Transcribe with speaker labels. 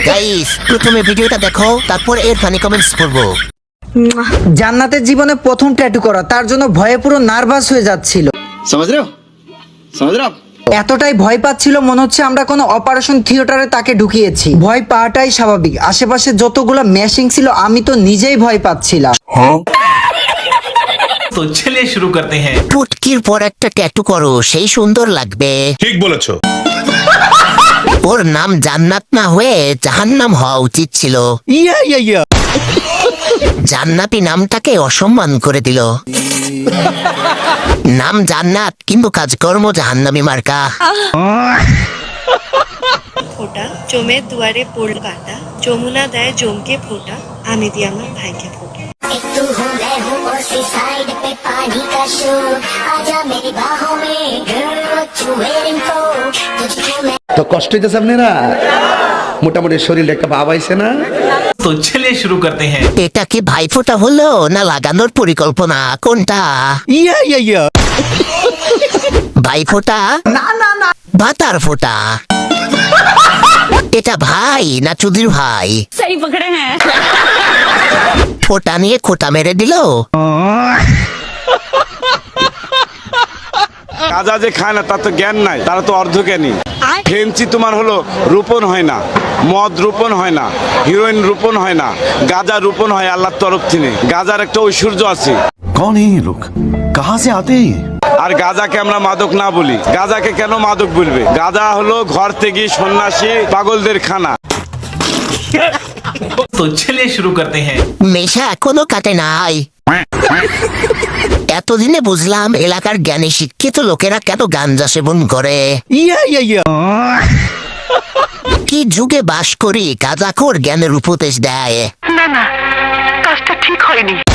Speaker 1: Guys প্রথমে ভিডিওটা দেখো, তারপর এর ফানি কমেন্টস পড়বো।
Speaker 2: জান্নাতের জীবনে প্রথম ট্যাটু করা, তার জন্য ভয়ে পুরো নার্ভাস হয়ে যাচ্ছিল।
Speaker 3: समझ रहे हो समझ रहे हो आप?
Speaker 2: এতটাই ভয় পাচ্ছিল মনে হচ্ছে আমরা কোনো অপারেশন থিয়েটারে তাকে ঢুকিয়েছি। ভয় পাওয়াটাই স্বাভাবিক, আশেপাশে যতগুলো মেশিং ছিল আমি তো নিজেই ভয় পাচ্ছিলাম।
Speaker 4: तो चलिए शुरू करते हैं।
Speaker 1: পুটকির পর একটা ট্যাটু করো, সেই সুন্দর লাগবে।
Speaker 5: ঠিক বলেছো।
Speaker 1: ওর নাম জান্নাত না হয়ে জাহান্নাম হওয়া উচিত ছিল। জান্নাতি নামটাকে অসম্মান করে দিল। নাম জান্নাত কিন্তু কাজকর্ম জাহান্নামী মার্কা।
Speaker 6: ফোটা জমের দুয়ারে পড়ল কাটা, যমুনা দেয় জমকে ফোটা, আমি দি আমার ভাইকে ফোটা।
Speaker 7: एक तू हूँ मैं हूँ और सी साइड पे पानी का शो, आजा मेरी बाहों में girl what you waiting for, तुझको मैं
Speaker 3: তো কষ্ট হইতেছে আপনারা? মোটামুটি শরীরে একটা ভাব আইছে না?
Speaker 4: तो चलिए शुरू करते हैं।
Speaker 1: এটা কি ভাইফোঁটা হলো না লাগানোর পরিকল্পনা, কোনটা? ভাইফোঁটা ভাতার ফোঁটা। এটা ভাই না চুদির ভাই?
Speaker 8: सही पकड़े हैं।
Speaker 1: ফোঁটা নিয়ে খোঁটা মেরে দিল।
Speaker 9: গাঁজা যে খায় না তার তো জ্ঞান নাই, তারা তো অর্ধজ্ঞানী। ফেন্সি তোমার হলো রোপণ হয় না, মদ রোপণ হয় না, হিরোইন রোপণ হয় না, গাঁজা রোপণ হয় আল্লাহর তরফ থেকে। গাঁজার একটা ঐশ্বর্য আছে।
Speaker 5: कौन है ये लोग, कहाँ से आते हैं?
Speaker 9: আর গাঁজাকে আমরা মাদক না বলি। গাঁজাকে কেন মাদক বলবে? গাঁজা হলো ঘর থেকে সন্ন্যাসী পাগলদের খানা।
Speaker 4: तो चलिए शुरू करते हैं।
Speaker 1: নেশা এখনো কাটে নাই। এতদিনে বুঝলাম এলাকার জ্ঞানী শিক্ষিত লোকেরা কেন গাঞ্জা সেবন করে। কি যুগে বাস করি, গাঁজাখোর জ্ঞানের উপদেশ দেয়।
Speaker 8: ना ना काजটা ঠিক হয়নি।